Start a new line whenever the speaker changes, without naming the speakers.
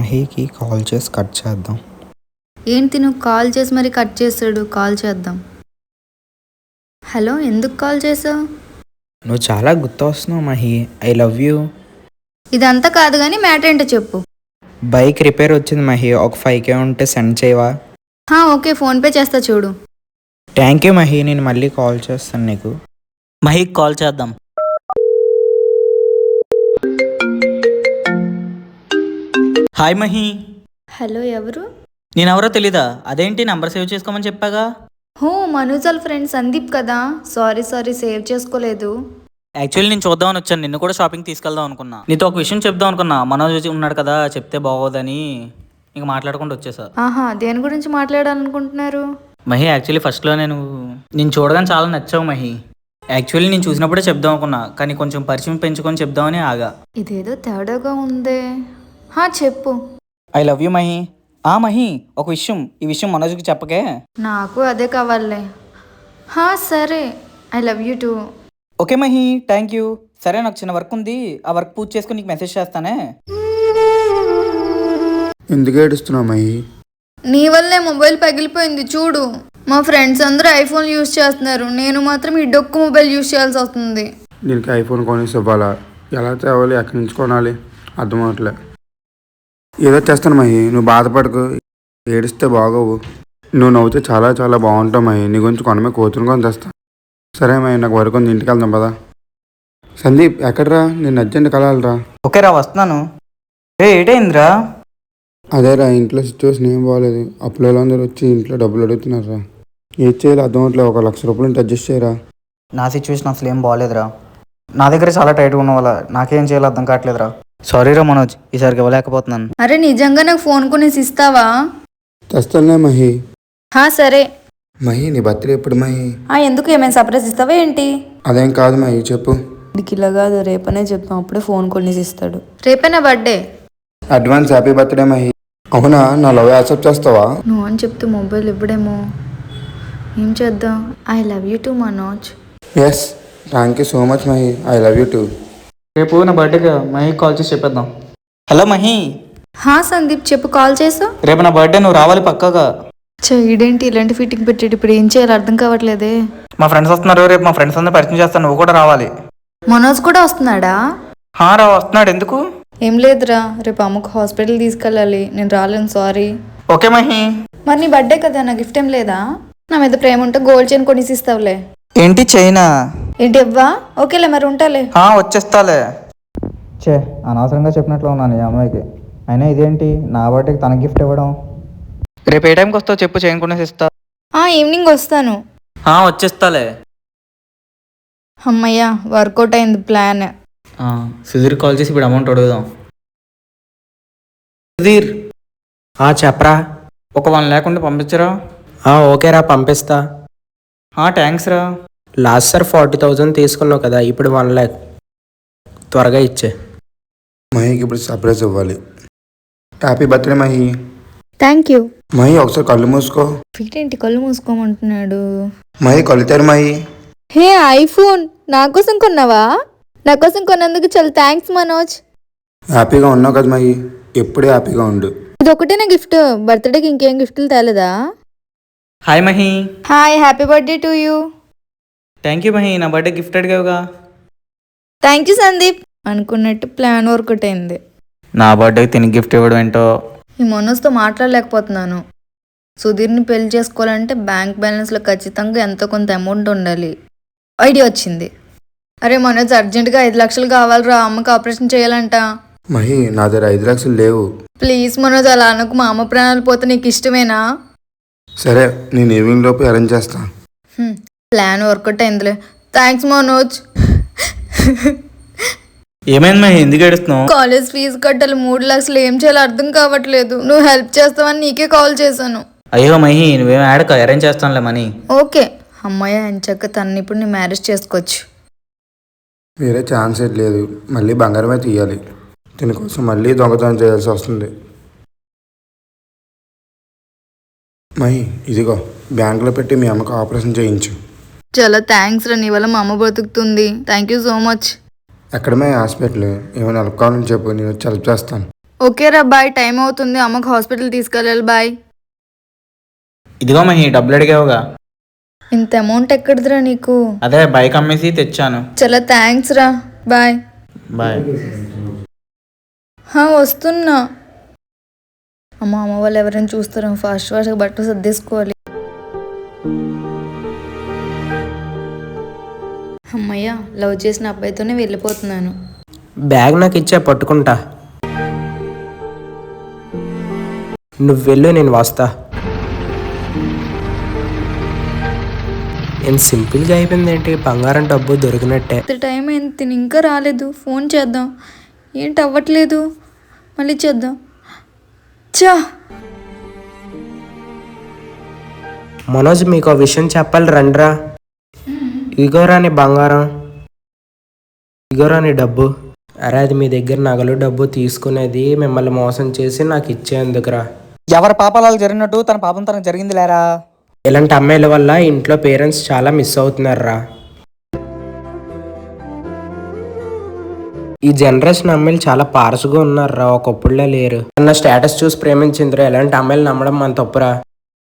మహీకి call చేసి cut చేద్దాం.
ఏంటి నువ్వు కాల్ చేసి మరి కట్ చేసాడు? కాల్ చేద్దాం. హలో, ఎందుకు కాల్ చేసావు?
నువ్వు చాలా గుర్తొస్తున్నావు మహి. I love you.
ఇదంతా కాదు కానీ మ్యాటర్ ఏంటో చెప్పు.
బైక్ రిపేర్ వచ్చింది మహి, ఒక 5K ఉంటే సెండ్ చేయవా?
ఓకే, ఫోన్పే చేస్తా చూడు.
థ్యాంక్ యూ మహి, నేను మళ్ళీ కాల్ చేస్తాను నీకు.
మహీకి కాల్ చేద్దాం. హాయ్ మహి.
హలో, ఎవరు?
నేనెవరో తెలీదా? అదేంటి నంబర్ సేవ్ చేసుకోమని చెప్పాగా.
మనోజ్ వాళ్ళ ఫ్రెండ్ సందీప్ కదా. సారీ సేవ్ చేసుకోలేదు.
యాక్చువల్లీ నేను చూద్దామని వచ్చాను, నిన్ను కూడా షాపింగ్ తీసుకెళ్దాం అనుకున్నా. నీతో ఒక విషయం చెప్దాం అనుకున్నా, మనోజ్ ఉన్నాడు కదా, చెప్తే బాగోదని ఇంక మాట్లాడకుండా వచ్చేసా.
దేని గురించి మాట్లాడాలనుకుంటున్నారు?
మహి, యాక్చువల్లీ ఫస్ట్లో నేను చూడగానే చాలా నచ్చావు మహి. యాక్చువల్లీ నేను చూసినప్పుడే చెప్దాం అనుకున్నా, కానీ కొంచెం పరిచయం పెంచుకొని చెప్దామని ఆగా.
ఇదేదో తేడాగా ఉందే. చెప్పు.
I love you Mahi. Mahi, ఒక విషయం, ఈ విషయం మనోజ్కి చెప్పకే.
నాకు అదే కావాలే. సరే, I love you too.
Okay Mahi, thank you. సరే, నాకు చిన్న వర్క్ ఉంది, ఆ వర్క్ పూర్తి చేసుకుని నీకు మెసేజ్ చేస్తానే.
ఎందుకు ఏడుస్తున్నావు మహి?
నీ వల్లే మొబైల్ పగిలిపోయింది చూడు. మా ఫ్రెండ్స్ అందరూ ఐఫోన్ యూజ్ చేస్తున్నారు, నేను మాత్రం ఈ డొక్కు మొబైల్ యూజ్ చేయాల్సి వస్తుంది.
దీనికి ఐఫోన్ కొనేసి ఇవ్వాలా? ఎలా తేవాలి? ఎక్కడి నుంచి కొనాలి? అర్థం అవట్లే. ఏదో చేస్తాను మహి, నువ్వు బాధపడకు. ఏడిస్తే బాగోవు. నువ్వు నవ్వుతే చాలా చాలా బాగుంటావు మహి. నీ గురించి కొనమే కూతురు కొని తెస్తాను. సరే మహి, నాకు వరకు ఉంది, ఇంటికి వెళ్దాం పదా. సందీప్ ఎక్కడరా? నేను అర్జెంట్ కలాలరా.
ఓకే రా, వస్తున్నాను. ఏటైందిరా?
అదేరా, ఇంట్లో సిచ్యువేషన్ ఏం బాగోలేదు. అప్పులలో అందరూ వచ్చి ఇంట్లో డబ్బులు అడుగుతున్నారా. ఏది చేయాలి అర్థం అవట్లేదు. ఒక 1,00,000 రూపాయలు ఉంటే అడ్జస్ట్ చేయరా.
నా సిచ్యువేషన్ అసలు ఏం బాగోలేదురా. నా దగ్గర చాలా టైట్గా ఉన్న వాళ్ళ, నాకేం చేయాలో అర్థం కావట్లేదురా. సారీ రా మనోజ్, ఈసారికి ఇవ్వలేకపోతున్నాను.
అరే, నిజంగా నాకు ఫోన్ కొనేసి ఇస్తావా?
తెస్తానులే మహి.
సరే.
మహి, నీ బర్త్డే ఎప్పుడు మహి?
ఎందుకు, ఏమైనా సర్ప్రైజ్ ఇస్తావా ఏంటి?
అదేం కాదు మహి, చెప్పు.
ఇలా కాదు, రేపనే చెప్తాం, అప్పుడే ఫోన్ కొనేసి ఇస్తాడు. రేపే నా birthday.
Advance happy birthday Mahi. అవునా, నా లవ్ యాక్సెప్ట్ చేస్తావా?
నువ్వు అని చెప్తే మొబైల్ ఇవ్వడేమో. ఏం చేద్దాం? I love you too Manoj.
Yes, thank you so much Mahi. I love you too.
రేపు నా బర్త్డేగా మహి కాల్ చేసి చెప్పేద్దాం. హలో మహి.
సందీప్ చెప్పు, కాల్ చేసా.
రేపు నా బర్త్డే, నువ్వు రావాలి పక్కాగా.
ఇదేంటి ఇలాంటి ఫిట్టింగ్ పెట్టాడు? ఇప్పుడు ఏం చేయాలి అర్థం కావట్లేదే.
మా ఫ్రెండ్స్ వస్తున్నారు, రేపు మా ఫ్రెండ్స్ అందరూ పరిచయం చేస్తాను, నువ్వు కూడా రావాలి.
మనోజ్ కూడా వస్తున్నాడా?
రా, వస్తున్నాడు. ఎందుకు?
ఏం లేదురా, రేపు అమ్మకు హాస్పిటల్ తీసుకెళ్ళాలి, నేను రాలేను, సారీ.
ఓకే మహి.
మరి నీ బర్త్డే కదా, నా గిఫ్ట్ ఏం లేదా? నా మీద ప్రేమ ఉంటే గోల్డ్ చైన్ కొనేసి ఇస్తావులే.
ఏంటి చైనా?
ఏంటి ఇవ్వా? ఓకేలే, మరి ఉంటాలే.
వచ్చేస్తాలే. అనవసరంగా చెప్పినట్లు ఉన్నాను ఈ అమ్మాయికి. అయినా ఇదేంటి నా బర్త్డేకి తన గిఫ్ట్ ఇవ్వడం. రేపు ఏ టైంకి వస్తావు చెప్పు, చైన్ కొనేసి ఇస్తా.
ఈవినింగ్ వస్తాను.
వచ్చేస్తాలే.
అమ్మయ్యా, వర్కౌట్ అయింది ప్లాన్.
సుధీర్ కాల్ చేసి ఇప్పుడు అమౌంట్ అడుగుదాం. సుధీర్.
చెప్పరా.
ఒక 1 lakh ఉంటే పంపించరా?
ఓకేరా, పంపిస్తా.
థ్యాంక్స్ రా.
లాస్ట్ సార్ 40,000 తీసుకున్నావు కదా, ఇప్పుడు 1 lakh త్వరగా ఇచ్చే.
మహికి ఇప్పుడు సర్ప్రైజ్ ఇవ్వాలి. Happy birthday Mahi.
Thank you.
Mahi, ఒకసారి కళ్ళు మూసుకో.
ఏంటి కళ్ళు మూసుకోమంటున్నాడు?
మహి కళ్ళు తెరు మహి.
ఐఫోన్ నా కోసం కొన్నావా? నా కోసం కొన్నందుకు చాలా థ్యాంక్స్ మనోజ్.
హ్యాపీగా ఉన్నావు కదా మహి, ఎప్పుడే హ్యాపీగా ఉండు.
ఇది ఒకటే నా గిఫ్ట్, బర్త్డేకి ఇంకేం గిఫ్ట్లు తేలేదా?
Hi Mahi.
Hi, happy birthday to you.
Thank you Mahi, నా బర్త్డే గిఫ్ట్ అడిగావుగా.
Thank you Sandeep. అనుకున్నట్టు ప్లాన్ వర్కౌట్ అయింది.
నా బర్త్డేకి తిని గిఫ్ట్ ఇవ్వడం ఏంటో.
ఈ మనోజ్తో మాట్లాడలేకపోతున్నాను. సుధీర్ని పెళ్లి చేసుకోవాలంటే బ్యాంక్ బ్యాలెన్స్లో ఖచ్చితంగా ఎంతో కొంత అమౌంట్ ఉండాలి. ఐడియా వచ్చింది. అరే మనోజ్, అర్జెంటుగా 5 లక్షలు కావాలిరా, అమ్మకి ఆపరేషన్ చేయాలంట.
మహి, నా దగ్గర 5 లక్షలు లేవు.
ప్లీజ్ మనోజ్, అలా అనకు. మా అమ్మ ప్రాణాలు పోతే నీకు ఇష్టమేనా?
సరే, నేను ఈవినింగ్ లోపు అరేంజ్ చేస్తా.
ప్లాన్ వర్కౌట్ అయిందిలే. థ్యాంక్స్ మనోజ్.
ఏమైంది మహి, ఎందుకు ఏడుస్తున్నావు?
కాలేజ్ ఫీజు కట్టాలి, 3 లక్షలు. ఏం చేయాలో అర్థం కావట్లేదు. నువ్వు హెల్ప్ చేస్తావని నీకే కాల్ చేశాను.
అయ్యో మహి, నువ్వేం ఆడక, అరేంజ్ చేస్తానులే మనీ.
ఓకే. అమ్మాయి ఎంచక్క తనని ఇప్పుడు నీ మ్యారేజ్ చేసుకోవచ్చు.
వేరే ఛాన్స్ ఏం లేదు. మళ్ళీ బంగారమే తీయాలి. దీనికోసం మళ్ళీ దొంగతనం చేయాల్సి వస్తుంది. మహి, ఇదిగో బ్యాంకులో పెట్టి మీ అమ్మకు ఆపరేషన్ చేయించు.
చాలా థ్యాంక్స్ రా, నీ వల్ల మా అమ్మ బతుకుతుంది. Thank you so much.
ఎక్కడమే హాస్పిటల్, ఏమైనా హెల్ప్ కావాలని చెప్పు, నేను వచ్చి హెల్ప్ చేస్తాను.
ఓకేరా బాయ్, టైం అవుతుంది, అమ్మకు హాస్పిటల్ తీసుకెళ్ళాలి, బాయ్.
ఇదిగో మహి, డబ్బులు అడిగావుగా,
ఇంత అమౌంట్ ఎక్కడిదిరా నీకు?
అదే బైక్ అమ్మేసి తెచ్చాను.
చాలా థ్యాంక్స్ రా, బాయ్.
బాయ్.
వస్తున్నా. అమ్మ వాళ్ళు ఎవరైనా చూస్తారా? ఫాస్ట్గా బట్టలు సర్దేసుకోవాలి. అమ్మయ్య, లవ్ చేసిన అబ్బాయితోనే వెళ్ళిపోతున్నాను.
బ్యాగ్ నాకు ఇచ్చే పట్టుకుంటా. నువ్వు వెళ్ళు, నేను వస్తా. నేను సింపుల్గా అయిపోయింది ఏంటి, బంగారం డబ్బు దొరికినట్టే.
ఇంత టైం అయింది, తిని ఇంకా రాలేదు. ఫోన్ చేద్దాం, ఏంటి అవ్వట్లేదు, మళ్ళీ చేద్దాం. చా
మనోజ్, మీకు ఆ విషయం చెప్పాలి, రండ్రా. ఇగోరా నీ బంగారం, ఇగోరా నీ డబ్బు. అరే, అది మీ దగ్గర నగలు డబ్బు తీసుకునేది మిమ్మల్ని మోసం చేసి నాకు ఇచ్చేందుకురా.
ఎవరి పాపాలు జరిగినట్టు తన పాపం తనకు జరిగింది లేరా.
ఇలాంటి అమ్మాయిల వల్ల ఇంట్లో పేరెంట్స్ చాలా మిస్ అవుతున్నారా. ఈ జనరేషన్ అమ్మాయిలు చాలా పారసుగా ఉన్నారా, ఒకప్పుడులో లేరు. నా స్టేటస్ చూసి ప్రేమించిందిరా, ఇలాంటి అమ్మాయిలు నమ్మడం మన తప్పురా.